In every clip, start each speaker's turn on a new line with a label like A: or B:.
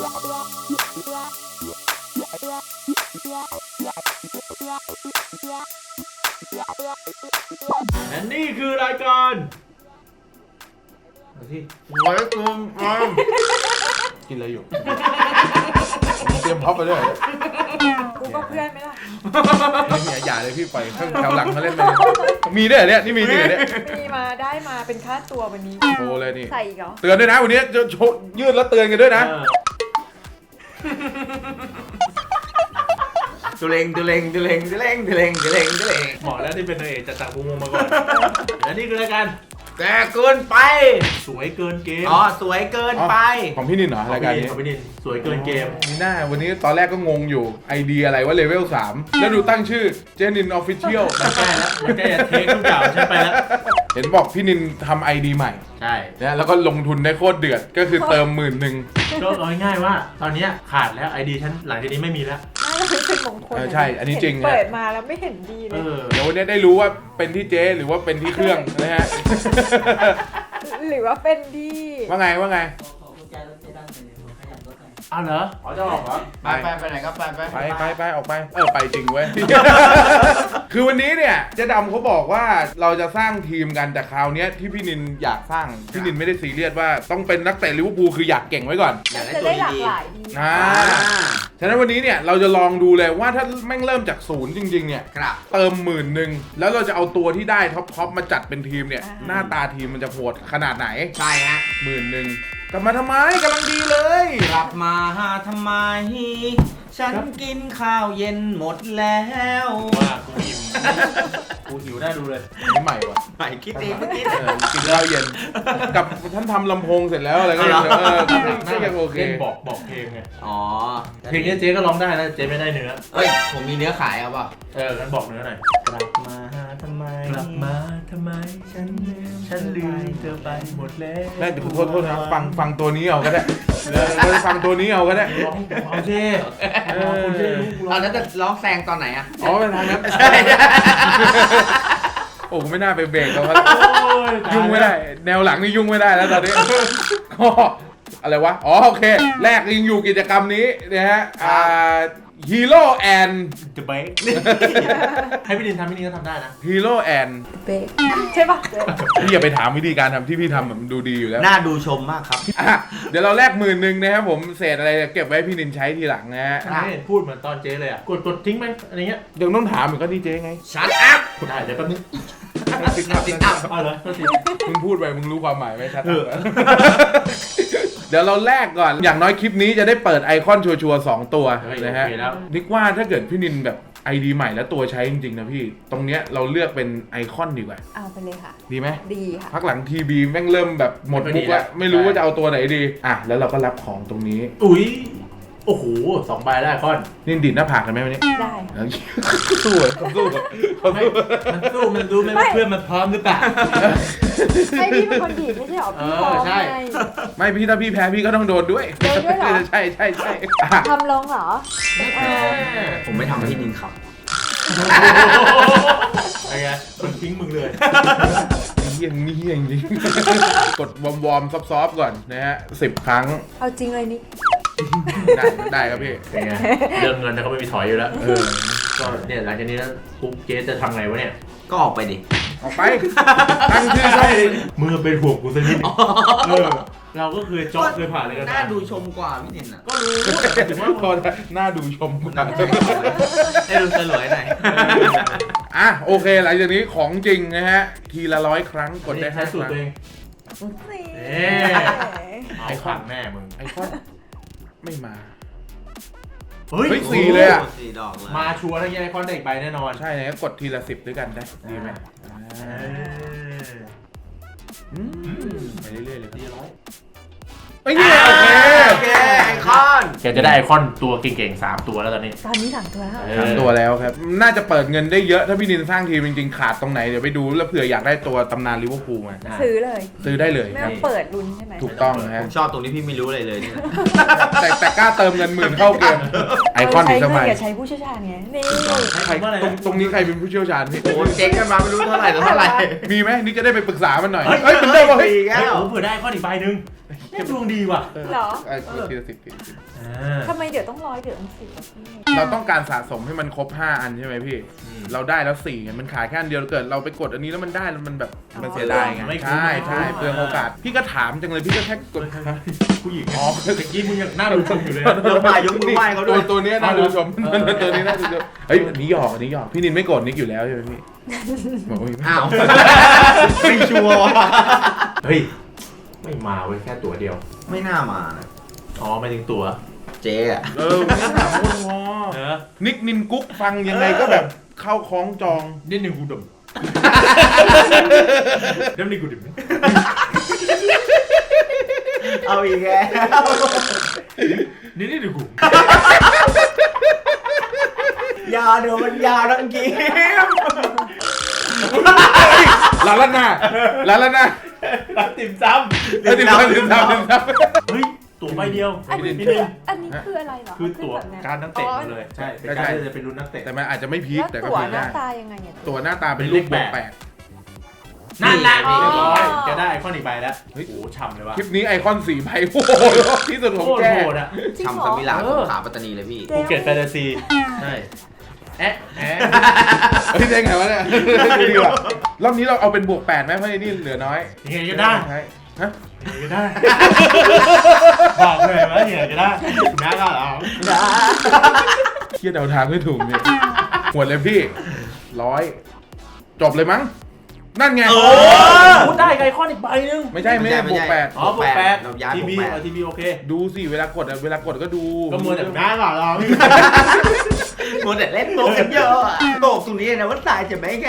A: และนี่คือรายการที่ไว้กลมกินอะไรอยู่เตรียมพ็อปไปด้วย
B: กูก็เพื่อนไหมล่ะ
A: อย่าเลยพี่ปล่อยข้างแถวหลังเขาเล่นไปมีด้วยเนี่ยนี่มีด้วยเนี่ย
B: มีมาได้มาเป็นค่าตัววันนี้
A: โอ้เลยนี่
B: ใส่อีกเหรอ
A: เตือนด้วยนะวันนี้จะยืดแล้วเตือนกันด้วยนะ
C: ตุเลงเห
A: มาะแล้วที่เป็นนางเอกจากภูมิมาก่อนและนี่คือรายการ
C: แต่เกินไป
A: สวยเกินเกม
C: สวยเกินไป
A: ของพี่นินเหรอรายการนี้ของพี่นินสวยเกินเกมนี่หน้าวันนี้ตอนแรกก็งงอยู่ไอเดียอะไรว่าเลเวล3แล้วดูตั้งชื่อเจนินออฟฟิเชียลมันใกล้แล้วมันใกล้จะเทคทุกอย่างใช่ไปแล้วเห็นบอกพี่นินทำไอดีใหม่
C: ใช่
A: นะแล้วก็ลงทุนได้โคตรเดือดก็คือเติม10,000ก็เอาง่ายๆว่าตอนนี้ขาดแล้วไอดีฉันหลังจากนี้ไม่มีแล้ว
B: ไม่เป็นมงคล
A: ใช่อันนี้จริง
B: เปิดมาแล้วไม่เห็นดีเลย
A: เดี๋ยววันนี้ได้รู้ว่าเป็นที่เจ๊หรือว่าเป็นที่เครื่องนะฮะ
B: หรือว่าเป็นดี
A: ว่าไงอ้าวเหรอจะออกเหรอ
C: ไปไหนก็
A: ไปออกไปไปจริงเว้ย คือวันนี้เนี่ยเจ๊ดำเขาบอกว่าเราจะสร้างทีมกันแต่คราวนี้ที่พี่นินอยากสร้างพี่นินไม่ได้ซีเรียสว่าต้องเป็นนักเตะลิเวอร์พูลคืออยากเก่งไว้ก่อน
C: อยากได้ตัวดี
A: ฉะนั้นวันนี้เนี่ยเราจะลองดูเลยว่าถ้าแม่งเริ่มจากศูนย์จริงๆเนี่ยเติม10,000แล้วเราจะเอาตัวที่ได้ท็อปมาจัดเป็นทีมเนี่ยหน้าตาทีมมันจะโหดขนาดไหน
C: ใช่ฮะ
A: 10,000กลับมาทำไมกำลังดีเลย
C: กลับมาทำไมฉันกินข้าวเย็นหมดแล้ว
A: ว่ากูอิ่มกูหิวน่าดูเลยนี่ใหม่วะ
C: ใหม่คิดเองเมื่อกี้
A: กินข้าวเย็นกับท่านทำลำโพงเสร็จแล้วอะไรก็ยังโอเคบอกเพลงไงเพลงนี้เจ๊ก็ร้องได้นะเจ๊ไม่ได้เนื้อ
C: ผมมีเนื้อขายเอาป่ะ
A: งั้นบอกเนื้อหน่อยกลับมาทำไมฉันลืมเธอไปหมดแล้วแม่เดี๋ยวโทษนะฟังตัวนี้เอาก็ได้ฟังตัวนี้เอาก็ได้เอาเจ๊
C: แล้วจะร้องแซงตอนไหนอ่ะ
A: เป็นทางนั้นใช่โอ้ไม่น่าไปเบรกเขาแล้วยุ่งไม่ได้แนวหลังนี่ยุ่งไม่ได้แล้วตอนนี้ก็อะไรวะโอเคแรกยังอยู่กิจกรรมนี้นะฮะฮีโร่แอนจะเบรกให้พี่ดินทำพี่ดินก็ทำได้นะฮีโร่แอน
B: เบรกใช่ปะ
A: พี่อย่าไปถามวิธีการทำที่พี่ทำแบบดูดีอยู่แล้ว
C: น่าดูชมมากครับ
A: เดี๋ยวเราแลก10,000นะครับผมเศษอะไรเก็บไว้พี่ดินใช้ทีหลังนะฮะพูดเหมือนตอนเจ๊เลยอ่ะกดทิ้งไหมอะไรเงี้ยเดี๋ยวต้องถามเหมือนก็ดีเจ๊ไง
C: ชัดอัพ
A: ได้เดี๋ยวแป๊บนึงติดอัพเอาเลยมึงพูดไปมึงรู้ความหมายไหมชัดเดี๋ยวเราแลกก่อนอย่างน้อยคลิปนี้จะได้เปิดไอคอนชัวร์2ตัวนะฮะนิกว่าถ้าเกิดพี่นินแบบไอดีใหม่แล้วตัวใช้จริงๆนะพี่ตรงเนี้ยเราเลือกเป็นไอคอนดีกว่า
B: เอาไปเลยค่ะ
A: ดีไหม
B: ดีค่ะ
A: พักหลังทีบีแม่งเริ่มแบบหมดมุกแล้วไม่รู้ว่าจะเอาตัวไหนดีแล้วเราก็รับของตรงนี้โอ้โห2 ใบได้คอนนี่ดินหน้าผากกันไหมวันนี้
B: ได้
A: สู้มันดูไม่เพื่อนมันพร้อมหรือเปล่า
B: ให้พี่เป็นคนดีไม่ใช่หรอพี่พร้อมใช่
A: ไม่พี่ถ้าพี่แพ้พี่ก็ต้องโดนด้วยใช่
B: ทำลงเหรอ
C: ผมไม่ทำให้พี่นินครับ
A: อะไรเงี้ยคนทิ้งมึงเลยเฮี้ยงจริงกดวอร์มซอฟก่อนนะฮะ10 ครั้ง
B: เอาจริงเลยนี่
A: ได้ครับพี่เป็นไงเรื่องเงินเขาไม่มีถอยอยู่แล้วก็เนี่ยหลังจากนี้แล้วปุ๊บเจ๊จะทำไงวะเนี่ย
C: ก็ออกไปดิ
A: ออกไปตั้งชื่อใช่มือเป็นห่วงกูสักนิดเราก็เคยจ็อกเคยผ่านเลยกัน
C: น่าดูชมกว่าพี่นินอ่ะ
A: ก็รู้ถึงว่าพอน่าดูชมกว่า
C: ให้ดูสลวยหน่อย
A: โอเคหลังจากนี้ของจริงนะฮะทีละ100 ครั้งกดได้5 ครั้งไอคอนแม่มึงไอคอนไม่มาเฮ้ย4เลยอ่ะ
C: 4 ดอกเลย
A: มาชัวร์แล้วยังไอคอนได้อีกใบแน่นอนใช่นะกดทีละ10ด้วยกันได้ดีไหมไปเรื่อยๆเลยทีละ100โอเค
C: ไอคอน
A: แกจะได้ไอคอนตัวเก่งๆ3 ตัวแล้วตอนนี้
B: 3 ตัวแล้ว
A: 3 ตัวแล้วครับน่าจะเปิดเงินได้เยอะถ้าพี่นินสร้างทีมจริงๆขาดตรงไหนเดี๋ยวไปดูแล้วเผื่ออยากได้ตัวตำนานลิเวอร์พูลมา
B: ซื้อ
A: ได้เลย
B: ไม่ต้องเปิดลุ้นใช่ไหม
A: ถูกต้อง
C: ผมชอบตรงนี้พี่ไม่รู้อะไรเลย
A: แต่กล้าเติมเงิน10,000เข้าเกมไอคอนอีกสมัย
B: อย่าใช้ผู้เชี่ยวชาญไงนี่
A: ตรงนี้ใครเป็นผู้เชี่ยวชาญพี่
C: โอ้เจ๊งกันมาไม่รู้เท่าไหร่
A: มีไหมนี่จะได้ไปปรึกษามันหน่อยเฮ้ยเป็นได้ป่ะเฮ้ย
C: ผม
A: เผื่อได้ข้ออีกใบนึง
C: แค่ดวงดีว่ะ
B: เหรอ
A: ทีละสิบทีละสิบ
B: ทำไมเดี๋ยวต้อง100เดี๋ยวต้อง10อ่ะพี่
A: เราต้องการสะสมให้มันครบ5อันใช่ไหมพี่ เราได้แล้ว4ไงมันขายแค่อันเดียวเกิดเราไปกดอันนี้แล้วมันได้แล้วมันแบบมันเสียดายไงใช่ใช่เปลืองโอกาสพี่ก็ถามจังเลยพี่ก็แค่กด
C: ผู้หญิง
A: อ๋อ
C: เมื่อกี้มึงยังหน้าดูชมอยู่เลย
D: ยกมือไหว้เขาด้วย
A: ตัวนี้น่าดูชมตัวนี้น่าดูชมเฮ้ยอันนี้หยอกอันนี้หยอกพี่นินไม่โกรธนิกอยู่แล้วใช่ไหมพี่บอกว่า
D: อ้าว
C: ไม่ชัวร์ว่ะเฮ้ยไม่มาเว้ยแค่ตัวเดียว
D: ไม่น่ามานะ
C: อ๋อไม่ถึงตัว
D: เจ๊อะ
A: ไม่ถามคนพอนิกนินกุ๊กฟังยังไงก็แบบเข้าคล้องจอง
C: นิดนึงกูดมเดี๋ยวนี้กูดม
D: เอาอีกแล้ว
C: นี่ดูกู
D: ยาเดี๋ยวมันยาทั้งกี้
A: ลาลาน่าลาลาน่า
C: รับติ่มซ้ำ
A: เฮ้ยติดตาม
C: เฮ้ยตัวใบเดียว
B: อันนี้
C: นิด
B: คือ
C: นึง
B: อันนี้คืออะไรเหรอ
C: คือตัว
B: ขึ้นแบบเนี้ย
C: การนักเตะหมดเลยใช่เป็นการที่จะเป็นรุ่นนักเตะ
A: แต่มันอาจจะไม่พีค
B: แล้ว
A: แต่ก็
B: ตั๋ว
A: พีค
B: หน้า
A: ได้
B: ตายังไงเนี่ย
A: ตัวหน้าตาเป็นรูปบวกแปด
C: นั่นแหละ
B: อ๋อ
C: เรียบร้อยจะได้ไอคอนอีกใบแล้วโอ้โหช่ำเลยว่ะ
A: คลิปนี้ไอคอน4 ใบโอ้โหที่สุดของ
C: โคตร
A: แก
C: โหดอ่ะ
B: จริงเหร
D: ทำ
B: อ
D: สมิลาสงขลาปัตตานีเลยพี่
C: ภูเก็ตแฟนตาซีใช่แอะ
A: เฮ้ยได้ไงวะเนี่ยดูดีว่ะรอบนี้เราเอาเป็นบวก8ไหมเพราะไอ้นี่เหลือน้อย
C: ยังไงก็ได้
A: ใช่ฮะ
C: ยังไงก็ได้บอกเลยว่ายังไงก็ได้แม่ก็เหรอ
A: เคียดเดาทางไม่ถูกเนี่ยหวดเลยพี่100จบเลยมั้งนั่นไง
C: พูดได้ไอคอนอีกใบนึง
A: ไม่ใช่ไม่ใช่บวก8
C: อ๋อบวกแปด
D: เราย้าย
C: ที
D: บวก
C: วี
D: แปด
C: ทีวีโอเค
A: ดูสิเวลากดก็ดู
C: ก็มัวแต่แม่ก็เหรอ
D: มัวแต่เล่นโบกกันเยอะอะโบกตรงนี้นะว่าตายจะไหมแก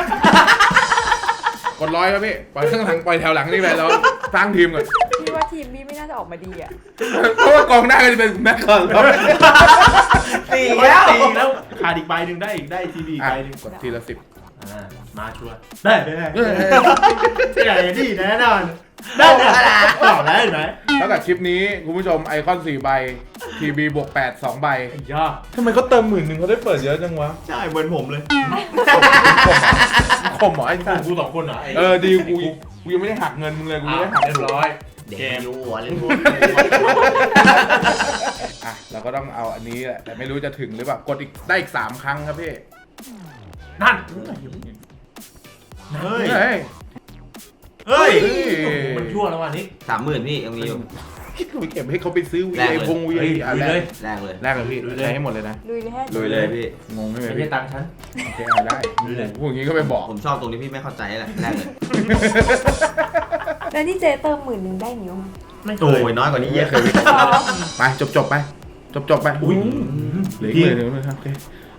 A: กด100ครับพี่ปล่อยข้างหลังปล่อยแถวหลังนี่ไปแล้วสร้างทีมก่อน
B: พี่ว่าทีมพี่ไม่น่าจะออกมาดีอ่ะ
A: เพราะว่ากองหน้าก็จะเป็นแม็กคอนครับ
D: สี่
C: แล้
D: แล้ว ว
C: แล้วขาดอีกใบหนึ่งได้อีกได้ทีวีอีก
A: อ่ะ
C: ใบหนึ่ง
A: กดทีละ10
C: มาชัวร์ได้ที่แน่นอนได้ต่อแล้วเห็นไหม
A: แล้วกับคลิปนี้คุณผู้ชมไอคอน4 ใบทีวีบวก8 2 ใบ
C: ยาก
A: ทำไมเขาเติม10,000เขาได้เปิดเยอะจังวะ
D: ใช่เหมือนผมเลย
A: คมเหรอไอ้
C: กูสองคนเหรอ
A: ดีกูยังไม่ได้หักเงินมึงเลยกูไม่ได้หัก
C: เรียบร้อย
D: เด็กยูหัวเล่นโบ
A: อ่ะเราก็ต้องเอาอันนี้แหละแต่ไม่รู้จะถึงหรือเปล่ากดอีกได้อีก3 ครั้งครับพี่
C: นั่น
D: เฮ้ย
A: เฮ้ย
C: เฮ้ย
A: เฮ้ย
C: มันชั่วแล้ววันนี้
D: 30,000พี่ยังมีอยู่
A: คิดว่าไปเก็บให้เขาไปซื้อวี
D: แลก
A: ไอ
D: เลย
A: พงวีไออ่ะ
C: ลุย
A: แร
C: เลย
A: ก
D: แรกเลย
A: แรกเลยพี่ใช้ให้หมดเลยนะ
B: ลุยเลยแค่
D: ลุยเลยพี่
A: งงใช่ไหม
C: ไม่
A: พี่
C: ใช่ตังค์ฉัน
A: โอเคเอาได้
C: ลุยเลย
A: พวกนี้ก็ไปบอก
D: ผมชอบตรงที่พี่ไม่เข้าใจแหละแรกเลย
B: แล้วนี่เจ๊เติม10,000ได้นิ้วมั้ย
C: ไม่เค
D: โอ้
C: ย
D: ยน้อยกว่านี้เยอะ
A: ไปจบไปไป
C: อุ้ย
A: เหลืออีกเลยครับโอเค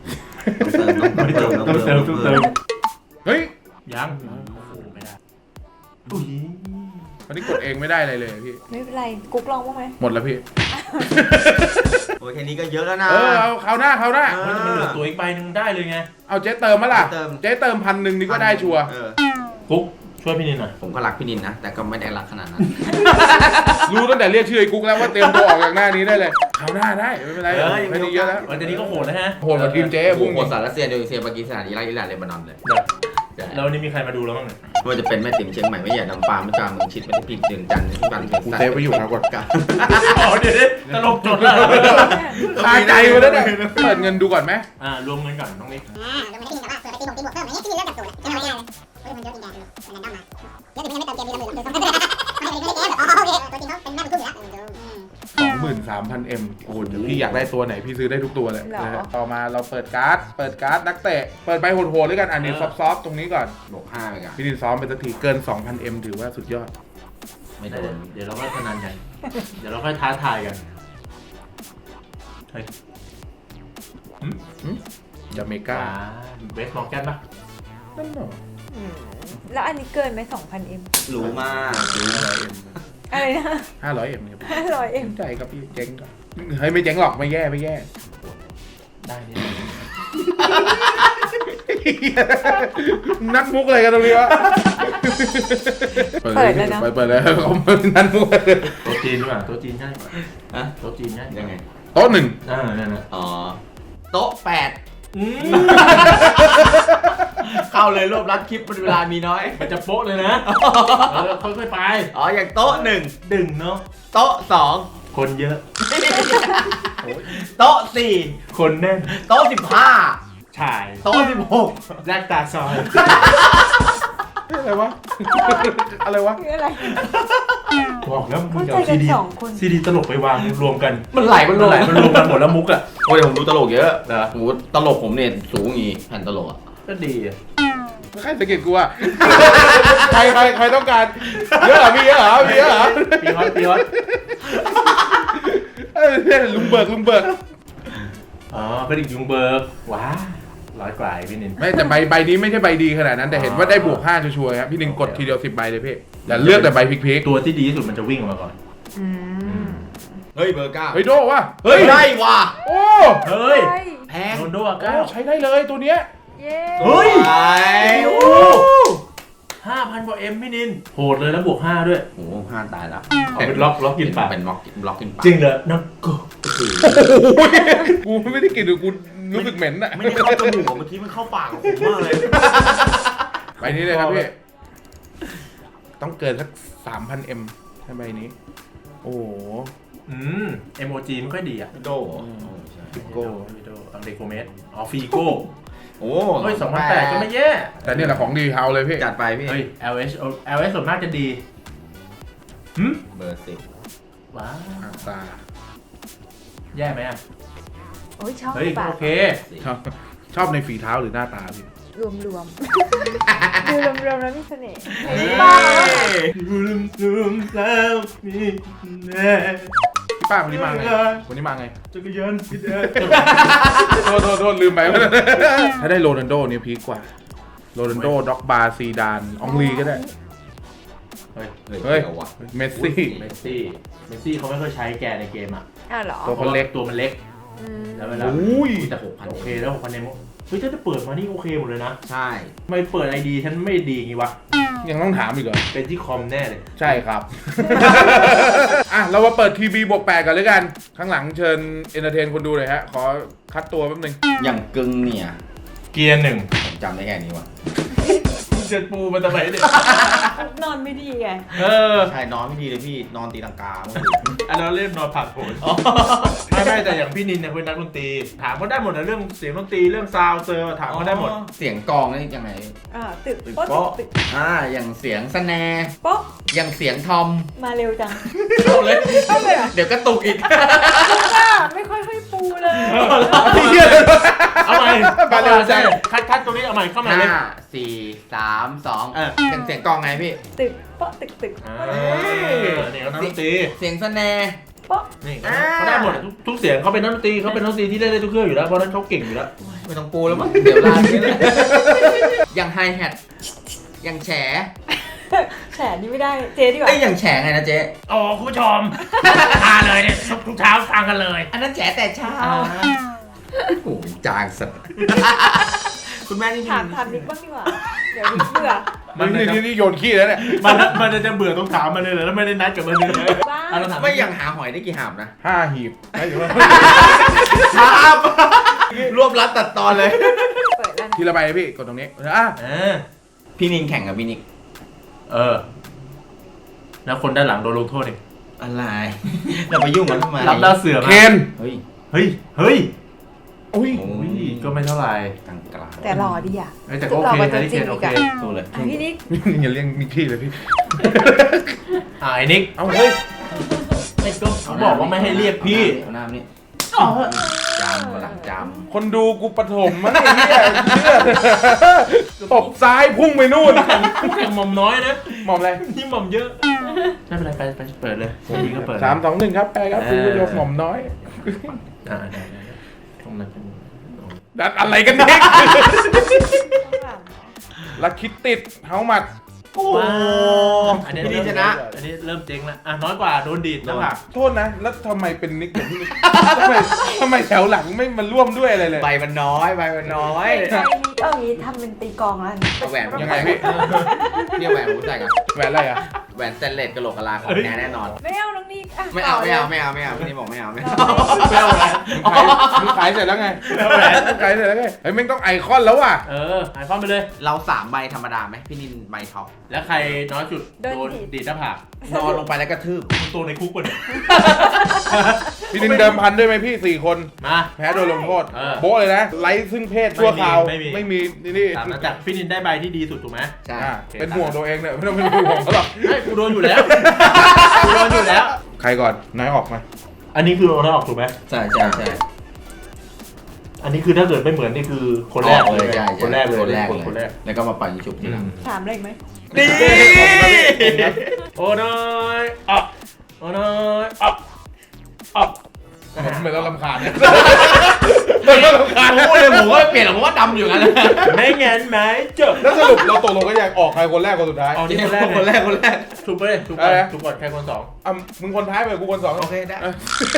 D: ต้องเติม
C: ต้องเติม
A: เฮ้ย
C: ยังไม่ได้อุ้ย
A: วันนี้กดเองไม่ได้อะไรเลยพี่
B: ไม่เป็นไรกุ๊กลองบ้างไหม
A: หมดแล้วพี่
D: โอ้ยแค่นี้ก็เยอะแล้วนะ
A: เอาคราวหน้า
C: มันเหลือตัวอีกใบหนึ่งได้เลยไง
A: เอาเจ๊เติมมาล่ะ
D: เติม
A: เจ๊เติม1,000นี่ก็ได้ชัวร์
C: กุ๊กช่วยพี่นิดหน่อย
D: ผมก็รักพี่นินนะ แต่ก็ไม่ได้รักขนาดนั้น
A: รู้ตั้งแต่เรียกชื่อไอ้กุ๊กแล้วว่าเตรียมตัวออกจากหน้านี้ได้เลยคราวหน้าได้ไม่เป็นไรไม่ดีเยอะแล้ว
C: วันนี้ก็โหดแล้วฮะ
A: โหดกว่าทีมเจ๊
D: โอ้โห
A: พุ่ง
D: โหดสารรัสเซียโดยเซียปากีสถานอิรักอิหร่านเลบานอนเลย
C: แล้วนี่มีใครมาดูแล้วบ้างเนี่ย
D: ไม่ว่าจะเป็นแม่ติ๋มเชียงใหม่แม่ใหญ่ลำปางแม่จามเมืองชิดแม่ทิพย์เดือนจันทร์ที่บันเทิง
A: กูเซฟไว้อยู่นะกด
D: กัน
C: อ๋อเดี๋ยวตลกจดแล้ว
A: ตายใจมาแล้วเนี่ยเปิดเงินดูก่อนไหม
C: รวมเงินก่อนน้องนิก
E: ลงมาได้ที่นี่แต่ว่าเผื่อไปตีบวกตีบวกเพิ่มอะไรเงี้ยที่มีเรื่องกับสูตรจะทำง่ายเลยเฮ้ยมันเยอะจริงๆมันนั่นมาเยอะถึงไม่เติมเกมมีละหมื่นเดี๋ยว2,000ไม่ได้เกมอ๋อโอเคตัวจริงเขาเป็นแม่บุญทุ่มอยู่แล้ว
A: 23,000M โอ้โหพี่อยากได้ตัวไหนพี่ซื้อได้ทุกตัวเลยนะฮะต่อมาเราเปิดการ์ดนักเตะเปิดใบโหดๆด้วยกันอันนี้ซอฟๆตรงนี้ก่อน
D: บวก5ไปกัน
A: พี่ดินซ้อมไปสักทีเกิน 2,000M ถือว่าสุดยอด
D: ไม่โดน
C: เดี๋ยวเราค่อยพนันกัน เดี๋ยวเราค่อยท้าทายกัน เฮ้ย
A: จาเมกา
C: เวสมอร์แกนปะ
A: นั่นเหรอ
B: อืมแล้วอันนี้เกินไหม 2,000M
D: รู้มาก
A: 500M
B: อะไรนะ
A: 500M ครับ
B: 500M
A: ใจครับพี่เจ๊งครับเฮ้ยไม่เจ๊งหรอกไม่แย่
C: ได้นี่
A: นักมุกอะไรกันตรงนี้วะ
B: เปิดเลยนะ
A: เปิดเลยเขานักมุกเลย
C: โต๊ะจีนด้วยอ่ะโต๊ะจีนง่ายกว่า
D: ฮะ
C: โต๊ะจีนง่าย
D: ยังไง
A: โต๊ะ 1
C: นั่นน่ะ
D: อ๋อ โต๊ะ8 เข้าเลยรวบรัดคลิปมันเวลามีน้อย
C: มันจะโป๊ะเลยนะค่อยๆไป
D: อ๋ออย่างโต๊ะหนึ่ง
C: ดึงเนาะ
D: โต๊ะสอง
C: คนเยอะ
D: โต๊ะสี่
C: คนแน่น
D: โต๊ะ15
C: ชาย
D: โต๊ะ16
C: แลกตาซอย
A: อะไรวะ อะไรวะ
B: คืออะไร
C: บอกแล้วมึง
B: เข้าใจ
C: เอา
B: กั
C: ซี
B: น
C: ดี
B: สองคน
C: ซีดีตลกไปวางรวมกัน
D: มันไหลมันลง
C: มันรวมกันหมดแล้วมุกอ่ะ
D: โอ้ยผมดูตลกเยอะ
C: เหรอ
D: โอ้โหตลกผมเนี่ยสูงอย่างงี้แผ่นตลกอ่ะ
C: ก็ดีอ่ะ
A: ใครสังเกตกูอะใครต้องการเยอะเหรอมีเยอะเหรอมีเยอะเหรอ
C: ปีฮอตปีฮอต
A: เนี่ยลุงเบิก
C: อ๋อเป็นอีกยุงเบิร์กว้า100 กว่าพี่นิน
A: ไม่แต่ใบนี้ไม่ใช่ใบดีขนาดนั้นแต่เห็นว่าได้บวก5ชัวร์ๆครับพี่นินกดทีเดียว10 ใบเลยพี่อย่าเลือกแต่ใบพลิก
C: ตัวที่ดีที่สุดมันจะวิ่งออกมาก่อน
B: อืม
D: เฮ้ยเบอร์ 9
A: ๆเฮ้ยโดวะ
D: เฮ้ยได้ว่ะ
A: โอ้
C: เฮ้ย
B: ใช่
D: แพง
C: โรนลโดอา
A: โอ้
C: ก้า
A: ใช้ได้เลยตัวเนี้ย
B: เย้
C: เฮ้ย
D: ไปโอ้
C: 5,000 กว่าเอ็มพี่นินโหดเลยแล้วบวก5ด้วย
D: โห5ตายแล้ว
C: เอาเป็นล็อกกินปาก
D: เป็นล็อกกินปาก
C: จริงเหรอน้องกู
A: กูไม่ได้กินหรือกูรู้สึกเหม็นอะ
D: ไม่ได้เข้าจมูกเมื่อกี้มันเข้าปากของผมมากเลย
A: ใบนี้เลยครับพี่ต้องเกินสัก 3,000 M ถ้าใบนี้โอ้โห
C: เอโมจีไม่ค่อยดีอ่ะ
D: โดเหรอ
C: ฟิโก้อังเดโกเมสอ๋อฟีโก้
D: โอ้
C: เฮ้ย2008ก็ไม่แย่
A: แต่เนี่ยแหละของดีเฮาเลยพี่
D: จัดไปพี่
C: เฮ้ย LS ส่วนมากจะดีหึ
D: เบอร์
C: ว้าว
A: ตา
C: แย่ไหมอ่ะ
B: โอ้ยชอบ
C: เฮ้ย
B: ปะ
C: โอเค
A: ชอบในฝีเท้าหรือหน้าตาพี่
B: รวมรวมดูรวมรวมแล้วมีเสน่ห์เห็น
D: 10
B: บ้าง
C: ลืมแล้วมีแน่
A: พี่ป้าวันนี้มาไงวันนี้มาไง
C: จักรยานพี่แดง
A: โทษลืมไป ถ้าได้โรนัลโดเนี่ยพีคกว่าโรนัลโดด็อกบาร์ซีดานอองลีก็ได้
C: เฮ้ย
A: เฮ้ย
D: เดี๋ยววะ
A: เมสซี่
C: เมสซี่เขาไม่ค่อยใช้แกในเกมอ่ะ
B: อ้าวเหรอ
A: ตัวคนเล็ก
C: ตัวมันเล็ก
B: อืม
C: แล้วเวลา
A: อุ้ย
C: แต่6,000โอเคแล้ว6,000เนมเฮ้ยถ้าจะเปิดมานี่โอเคหมดเลยนะ
D: ใช่
C: ทำไม่เปิดไอดีฉันไม่ดีงี้วะ
A: ยังต้องถามอีกเหรอ
C: เป็นที่คอมแน่เลย
A: ใช่ครับ อ่ะ เรามาเปิดทีบีบวก8กันเลยกัน ข้างหลังเชิญเอนเตอร์เทนคนดูเลยฮะ ขอคัดตัวแป๊บนึง
D: อย่างกึ่งเนี่ย
C: เกียร์หนึ่ง
D: ผมจำได้แค่นี้วะ
C: เจ็ดปูมันทำไมเนี่ย
B: นอนไม่ดีไง
C: เออ
D: ใช่นอนไม่ดีเลยพี่นอนตีลังกาเมื่อคืน
C: อันนั้นเล่นนอนผักโผล่ไม่แต่อย่างพี่นินเนี่ยเป็นนักดนตรีถามเขาได้หมดนะเรื่องเสียงดนตรีเรื่องซาวด์เซอร์ถามเขาได้หมด
D: เสียงกลองนี่ยังไง
B: ตึก
C: ตึก
B: โป๊ะ
C: โป๊ะ
B: ตึก
D: อย่างเสียงสแนร์
B: โป๊ะ
D: อย่างเสียงทอม
B: มาเร็วจัง
C: เอาเลย
B: เข้าไปเหรอ
D: เดี๋ยวก็ตุกอีก
B: ป้าไม่ค่อยปูเลย
C: เอาใหม่
A: มาเร็วจัง
C: คัดตรงนี้เอาใหม่เข้ามาเลย
D: 5 4 3 2
C: เออ
D: อย่างเสียงกลองไงพี่
B: ตึกโป๊ะตึกตึก
C: นี่เขานักดนตรี
D: เสียงสแนร์
B: โป๊ะ
C: นี่เขาได้หมดทุกเสียงเขาเป็นนักดนตรีเขาเป็นนักดนตรีที่เล่นได้ทุกเครื่องอยู่แล้วเพราะนั้นเขาเก่งอยู่แล้ว
D: ไม่ต้องปูแล้วมั้งเดี๋ยวลาไปเลยอย่างไฮแฮทอย่างแฉ
B: แฉนี่ไม่ได้เจ๊ดีกว่า
D: เอ้ยอย่างแฉไงนะเจ๊
C: โอ้คุณผู้ชมทานเลยเนี่ยทุกเช้าฟังกันเลย
D: อันนั้นแฉแต่เช้าโอ้ยจางสัตว์คุณแม่นี่
B: ถามนิกบ้างดีกว่า เดี๋ยวนิกเบื่อ
A: นี่โยนขี้แล้วเนี่ย
C: มันจะเบื่อต้องถามมันเลยเหรอแล้วไม่ได้นัดกับมันเลย
B: บ้า
C: เราถาม
D: ไม่อย่างหาหอยได้กี่หาบนะ
A: 5 หีบไม่ถึงว่า
D: ครับรวบรัดตัดตอนเลย
B: เปิดแล้ว
A: ทีละใบเลยพี่กดตรงนี้อ่ะ
D: พี่นินแข่งกับพี่นิก
C: แล้วคนด้านหลังโดนลงโทษเอง
D: อะไรเราไปยุ่งกันทำไม
C: รับดาวเสือมา
A: เคน
D: เฮ้ย
C: เฮ้ย
A: อุ้ย
D: โอ้
C: อุ้
D: ย
C: ยก็ไม่เท่าไหร่
D: กลางกลาง
B: แต่หล่อดีอ่ะ
C: แต่ก็โอเคนะที่เคนโอเค
D: สู้เลย
B: อ่ะพี่นิก
A: อย่าเรียกนิกกี้เลยพี่
C: ไอ้นิก
A: เอาเฮ้ย
C: ไม่ก็เขาบอกว่าไม่ให้เรียกพี่
D: เอาหน้านี่จำมาหลังจ
A: คนดูกูปฐมมั้งไอ้เหี้ยตบซ้ายพุ่งไปนู่น
C: แข่งหม่อมน้อยนะ
A: หมอมอะไร
C: นี่หม่อมเยอะไม่เป็นไรไปเปิดเลยพี่ก็เปิด
A: 3 2 1ครับแปลครับคุณผู้ชมหม่อมน้อย
C: ได้ตรงนั้นเป็น
A: ดัดอะไรกันเนี่ยลักคิดติดเฮามัด
D: ำโอ้
C: อันนี้
D: พี่นินชนะ
C: อันนี้เริ่มเจ๊งแล้วอ่ะน้อยกว่าโดนดีดนะผัก
A: โทษนะ แล้วทำไมเป็นนิกอย่างที่ทำไมแถวหลังไม่มาร่วมด้วยอะไรเลย
D: ใบมันน้อยใบมันน้อย
B: ใช่นิกเอางี้ทำเป็นตีกลองแล้ว
D: เอาแหวน
A: ยังไงพี่
D: เนี่ยแหวนผมใส่กัน
A: แหวนอะไรอ่ะ
D: แหวนสเตนเลสกะโหลกกะลาของแน่นอน
B: ไม่เอาน้องนิกอ่ะ
D: ไม่เอา
B: ต่
D: ไม่
B: ลย
D: เอาไม่เอาไม่เอาพี่นี่บอกไม่เอาไม่เอา
C: ไม่เอาอะไร
A: มึงขายเสร็จแล้วไงมึงขายเสร็จแล้วไงเฮ้ยแม่งต้องไอคอนแล้วว่ะ
C: หายความไปเลย
D: เรา3ใบธรรมดาไหมพี่นินใบท็อป
C: แล้วใครน้อยสุดโดนดีดหน้าผาก
D: นอนลงไปแล้วกระทืบ
C: ตัวในคุกปะเนี่ย
A: พี่นินเดิมพันด้วยไหมพี่4 คน
C: มา
A: แพ้โดนลงโทษ
C: เออ
A: โบ๊ะเลยนะไร้ซึ่งเพศชั่วคราว
C: ไม่มี
A: นี่
C: ตามนั้นจากพี่นินได้ใบที่ดีสุดถูกไหม
D: ใช่
A: เป็นห่วงตัวเองเนี่ยไม่ต้องเป็นห่วงเขาหรอก
C: ไม่กูโดนอยู่แล้วกูโดนอยู่แล้ว
A: ใครก่อนนายออกมา
C: อันนี้คือโอนออกถูกไหม
D: ใช่ใช่ใช่
C: อันนี้คือถ้าเกิดไม่เหมือนนี่คือคนแรกเลย
D: ใช่
C: คนแรกเลย
D: คนแรก
C: คนแรก
D: แล้วก็มาปั่นชุบทีหลัง
B: ถามอะไรอีกไหม
C: ดีโอ้น้อยอ่ะโอ้น้อยอ่ะอ่ะ
A: ไม่ต้องรำคาญเนี่ย
D: พูดเลยผมก็เปลี่ยนหรอกเพราะว่าดำอยู่งั้น
C: ไม่งั้นไหมจบ
A: แล้วสรุปเราตกลงกันยังออกใครคนแรกคนสุดท้าย
C: เอานี่คนแรก
D: คนแรกคนแรก
C: ถูกไปเลยถูกก่อน
A: อะไรนะ
C: ถูกก่อนใครคนสอง
A: อ่ะมึงคนท้ายไปกูคนสอง
D: โอเคได้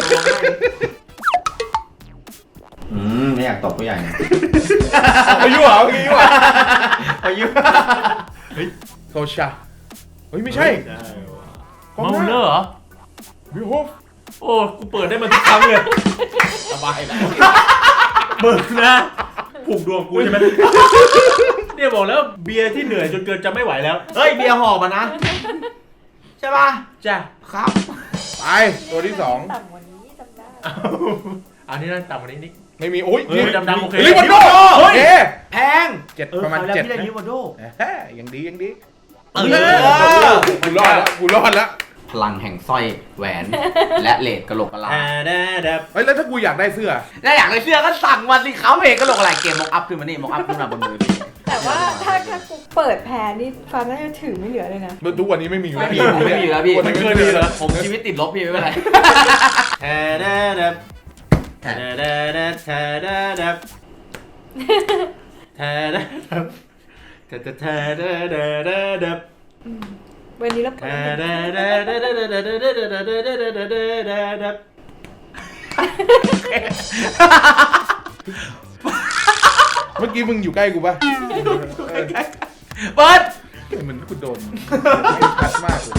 D: ไม่อยากตบผู้ใหญ่นะ
A: อายุเหรอเมื่อกี้วะ
D: อายุ
A: โซชาเฮ้ยไม่ใช่
C: เมาเลอร์เหรอ
A: วิโฮฟ
C: โอ้กูเปิดได้มาทุกครั้งเลย
D: สบายแล้ว
C: เบิกนะผูกดวงกูใช่ไหมเนี่ยบอกแล้วเบียร์ที่เหนื่อยจนเกินจะไม่ไหวแล้ว
D: เฮ้ยเบียร์หอบมานะ ใช่ป่ะ
C: จ้ะ
D: ครับ
A: ไปตัวที่
B: ต่ำกว่านี้จำได้
C: อันนี้นั่นต่ำกว่านี้นิด
A: 2ไม่มีโอ้ย
C: เฮ้ยดำๆโอเค
A: ลิวันโดโอเค
D: แพง
A: 7ประมาณ
D: แล้ว
A: 7
D: พี่ได้
A: นะ
D: ลิวาโด
A: แฮ่ยังดียังดี
D: เออ
A: กูรอดแล้วกูรอดแล้ว
D: พลังแห่งสร้อยแหวน และเลดกะโหลกกะลา
A: เฮ้ยแล้วถ้ากูอยากได้เสื้อ
D: ถ้าอยากได้เสื้อก็สั่งมาสิเขาเพจกะโหลกอะไรเกมมอกอัพขึ้นมานี่มอกอัพขึ้นมาบนมือพี่
B: แต่ว่าถ้ากูเปิดแพรนี่ฟ้าน่าจะถือไม่เหลือเลยนะ
A: ทุกวันนี้ไม่มีอยู่แล้ว
D: ไม่มีแล้วพี่
A: วันนี้ไม่มีแล้ว
D: ผมชีวิตติดลบพี่ไม่เป็นไร
B: วันนี้เราเปิด
A: เมื่อกี้มึงอยู่ใกล้กูป่ะ
D: เปิด
A: เหมือนกูโดนชัดมากเลย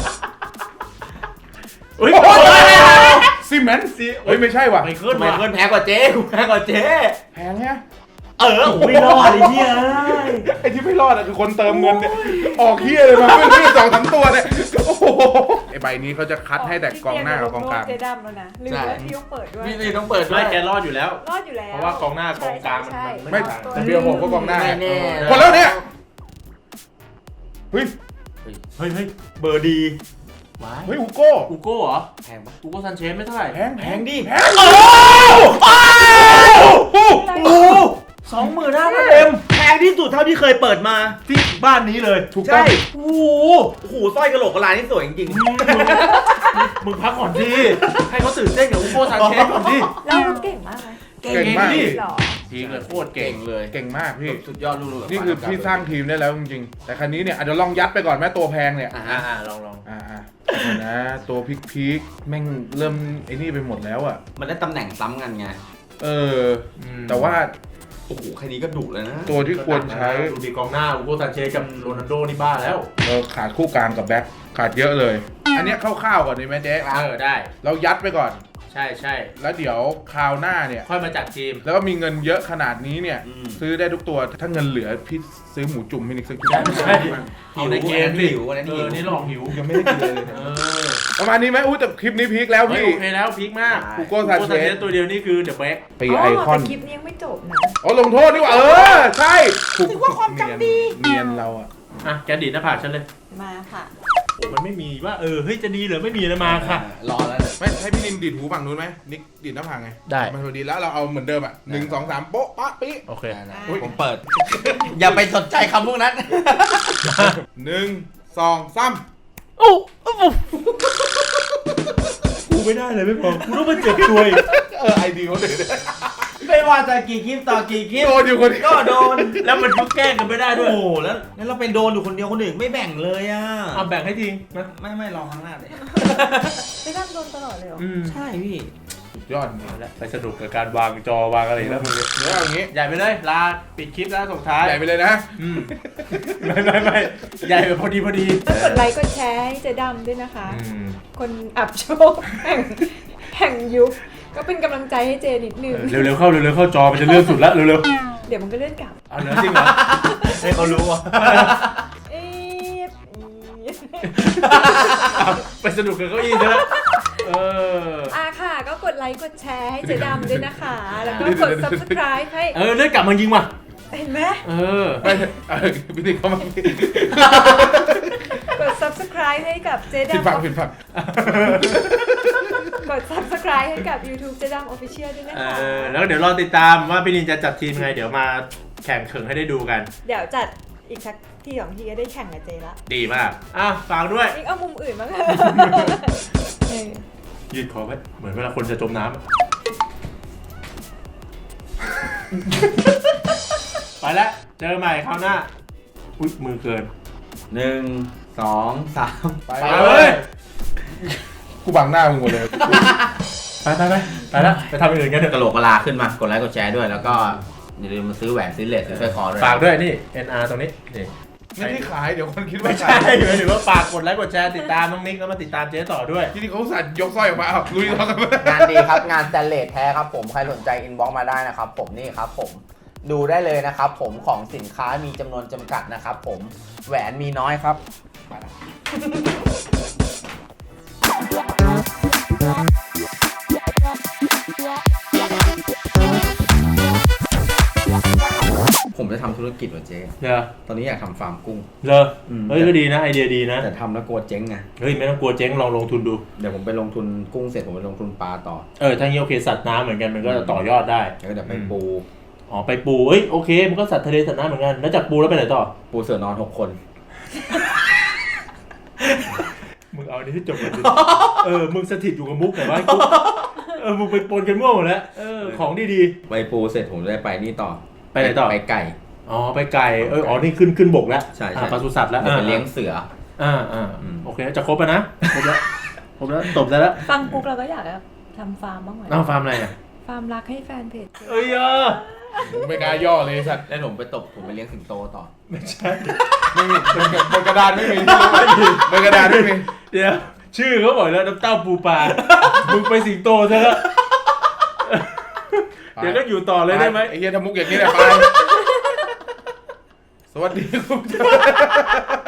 C: เฮ้ย
A: ซีเมนต์เฮ้ยไม่ใช่ว่ะ
C: ไม่ขึ้น
D: ไม่
C: มา
D: เกินแพ้กว่าเจ๊กูแพ้กว่าเจ๊
A: แพงฮะ
D: ไม่รอดไอ้เหี้ย
A: ไอ้ที่ไม่รอดอะคือคนเติมเงินเนี่ยออกเฮียเลยมาไม่ได้2-3 ตัวเนี่ยโอ้โหไอ้ใบนี้เขาจะคัดให้แต่กองหน้ากับกองกลาง
B: เจดำแล้วนะลืมว่าพี่ต้องเปิดด้วย
D: พี่ต้องเปิดด้ว
C: ไม่
D: ย
C: แกรอดอยู่แล้ว
B: รอดอยู่แล้ว
C: เพราะว่ากองหน้ากองกลางมัน
B: ใช่
C: มัน
A: ไม่
B: ใช่
A: แต่เบียร์ผมก็กองหน้า
D: ไม่แน่
A: หมดแล้วเนี่ยเฮ้ย
C: เฮ้ยเบอร์ดีว้าย
A: เฮ้ยอูโก้
C: อูโก้เหรอ
D: แพงปะ
C: อูโก้ซันเชสไม่เท่าไหร่
A: แพง
D: แพงดิ
A: แพง
C: 25,000 เอ็ม
D: แพงที่สุดเท่าที่เคยเปิดมา
C: ที่บ้านนี้เลย
A: ถูกต้อง
D: โอ้โหสร้อยกะโหลกกะลานี่สวยจริง
C: มึงพักก่อนดิให้เขาตื่นเต้นกับอูโก้ซันเชสก่อนดิ
B: เราเก่งมากไหม
A: เก่งมาก
C: ดิ
B: หรอ
C: พีคเลยโคตร
D: ๆ
C: เก่
D: เก่
C: ง
D: งเลย
A: เก่งมากพี่
D: สุดยอดลูกๆ
A: นี่คือพี่สร้างทีมได้แล้วจริงๆ แต่คันนี้เนี่ยอาจจะลองยัดไปก่อนแม่ตัวแพงเนี่ย
C: ลอง
A: อ่านะตัวพีคแม่งเริ่มไอ้นี่ไปหมดแล้วอ่ะ
D: มันได้ตำแหน่งซ้ำกันไง
A: เออ แต่ว่า
D: โอ้โหแค่นี้ก็ดุเลยนะ
A: ตัวที่ควรใช้
C: ดูดีกองหน้าอูโก้ซันเชสกับโรนัลโดนี่บ้าแล้ว
A: เราขาดคู่กลางกับแบ็คขาดเยอะเลย อันเนี้ยคร่าวๆก่อนดีไหมเจ๊
C: ได้
A: เรายัดไปก่อน
C: ใช่
A: แล้วเดี๋ยวคราวหน้าเนี่ย
C: ค่อยมาจัดทีม
A: แล้วก็มีเงินเยอะขนาดนี้เนี่ย ซื้อได้ทุกตัว ถ้าเงินเหลือพี่ซื้อหมูจุ่มมินิสักชุด
C: ใช่
D: เอาในเกมหิวอันนั้นหิว
C: นี่หลอกหิว
A: ยังไม่ได้กินเลยเนี่ย
C: เออ
A: ประมาณนี้ไหมอุ้ยแต่คลิปนี้พีคแล้ว
C: เฮ้ย
A: พี่
C: โอเคแล้วพีคมาก
A: อูโก้ซันเชส
C: ตัวเดียวนี่คือเดอะแบ็ก
A: ตีไอคอน
B: แต่คลิปนี้ยังไม่จบนะ
A: อ๋อลงโทษนี่หว่าใช่ถือว่าความจำดีเนียนเราอะ
C: อ่ะแกดีดหน้าผากฉันเลย
B: มาค่ะ
C: โอ้มันไม่มีว่าเฮ้ยจะดีหรือไม่มีนะมาค่ะ
D: รอแล้ว
A: ไม่ให้พี่นินดีดหูฝั่งนู้นไหมนิกดีดหน้าผากไง
C: ได้
A: มันพอดีแล้วเราเอาเหมือนเดิมอ่ะ1 2 3โป๊ะปะปิ๊
C: โอเค
D: ผมเปิด อย่าไปสนใจคำพวกนั้น
A: 1 2 3
C: กูไม่ได้เลยไม่พอกูต้องมาเจ็บตัวอีก
A: ไอดีเขาเด็ด
D: ไม่ว่าจะกี่คลิปต่อกี่คลิป
A: โดนอยู่คนเดียว
D: ก็โดน
C: แล้วมันก็แกล้งกันไม่ได้ด้วย
D: โอ้โหแล้วเราเป็นโดนอยู่คนเดียวคนอื่นไม่แบ่งเลยอ่ะ
C: เอาแบ่งให้ทิ้งนะ
D: ไม่ลองข้างหน้าเลย
B: ไม่ทำโดนตลอดเลยเหรอ
C: อืม
D: ใช่พี่
A: สุดยอด
C: แล้วไปสนุกกับการวางจอวางอะไรแล้วมึงเนี่ย
A: เดี๋ยวเอาอย่างงี้
C: ใหญ่ไปเลยลาปิดคลิปแล้วส่งท้าย
A: ใหญ่ไปเลยนะ
C: ไม่ใหญ่แบบพอดี
B: ก็กดไลค์กดแชร์ให้เจ๊ดำด้วยนะคะ คนอับโชคแห่งยุคก็เป็นกำลังใจให้เจนิดนึง
C: เร็วๆเข้าจอมันจะเลื่อนสุดแล้วเร็ว
B: เดี๋ยวมันก็เลื่อนกลับ
C: ๆเอาเหรอจริงเหรอให้เขารู้อ่ะ
B: เอ๊ะ
C: ไปสนุกกับเก้าอี้ซะแล้ว
B: ค่ะก็กดไลค์กดแชร์ให้เจ๊ดำด้วยนะคะ แล้วก็กด subscribe ให้
C: เลื่อนกลับมายิงมา
B: เห็นไหม
A: ไม่พี่ติ๊กเขามาก
B: ด subscribe ให้กับเจ๊
A: ผิด
B: ดำ
A: ฝั่ง
B: กด subscribe ให้กับ YouTube เจ๊ดำ Official ด้วยนะคะ
C: แล้วเดี๋ยวรอติดตามว่าพี่นินจะจัดทีมไงเดี๋ยวมาแข่งเขิงให้ได้ดูกัน
B: เดี๋ยวจัดอีกสักที2ทีก็ได้แข่งกับเจละ
C: ดีมากฝากด้วย
B: อีกเอามุมอื่นบ้าง
C: ยืดคอไว้เหมือนเวลาคนจะจมน้ำ ไปแล้วเจอใหม่คราวหน้าอุ๊ยมือเกิน
D: 1 2 3
A: ไป
C: ไป
A: เล
C: เลย ย
A: กูบังหน้ามึงหมดเลย
C: ไปแล้วไปทำอย่างอื่นกันเถ
D: กระ
C: อะ
D: โหลกกระลาขึ้นมากดไลค์กดแชร์ด้วยแล้วก็อย่าลืมมาซื้อแหวนซื้อเลสซื้อสร้อยคอด้วย
C: ฝากด้วยนี่ NR ตรงนี้นี่
A: ไม่ได้ขายเดี๋ยวคนคิดว่า
C: ไม่
A: ขา
C: ใช่
A: ย
C: หมายถึงว่าฝากกดไลค์กดแชร์ติดตามน้องนิกแล้วมาติดตามเจ๊ต่อด้วย
A: ที่นี่เขาสั่นยกสร้อยออกมาเอาลุยต่อกัน
F: งานดีครับงานสแตนเลสแท้ครับผมใครสนใจอินบ็อกมาได้นะครับผมนี่ครับผมดูได้เลยนะครับผมของสินค้ามีจำนวนจำกัดนะครับผมแหวนมีน้อยครับ
D: ผมจะทำธุรกิจว่ะเจ๊
C: เดี๋ยว
D: ตอนนี้อยากทำฟาร์มกุ้ง
C: เลอเฮ้ยก็ดีนะไอเดียดีนะ
D: แต่ทำแล้วกลัวเจ๊งไง
C: เฮ้ยไม่ต้องกลัวเจ๊งลองลงทุนดู
D: เดี๋ยวผมไปลงทุนกุ้งเสร็จผมไปลงทุนปลาต่อ
C: ถ้างี้โอเคสัตว์น้ำเหมือนกันมันก็ต่อยอดได้
D: แล้วก็เดี๋ยวไปปู
C: ไปปูโอเคมันก็สัตว์ทะเลสัตว์น้ำเหมือนกันแล้วจากปูแล้วไปไหนต่อ
D: ปูเสือนอน6 คน
C: มึงเอาอันนี้ที่จบกันดิ มึงสถิตอยู่กับมุกแต่ว่ามึงไปปนกันมั่วหมดแล้วของดี
D: ไปปูเสร็จผมจะได้ไปนี่ต่อ
C: ไปไหนต่อ
D: ไปไก่
C: ๆไปไก่นี่ขึ้นบกแล้ว
D: ใช่
C: ปศุสัตว์แล้ว
D: เดี๋ยวไปเลี้ยงเสือ
C: โอเคจะครบแล้วนะครบแล้วตบได้แล้ว
B: ฟังปุ๊บเราก็อยากจะทำฟาร์มบ้างไหม
C: ฟาร์มอะไรอ่ะ
B: ฟาร์มรักให้แฟนเพจ
A: ไม่กล้าย่อเลยสัตว์
D: แล้วผมไปเลี้ยงสิงโตต่อ
C: ไม่ใช่
A: ไม่มีบนกระดานไม่มีบนกระดานไม่มี
C: เดี๋ยวชื่อเขาบอกแล้วน้ำเต้าปูปลา มึงไปสิงโตซะแล้วเดี๋ยวก็อยู่ต่อเลยได้ไหม
A: ไอ้เหี้ยทำมุกอย่างนี้แหละไปสวัสดีคุณผู้ชม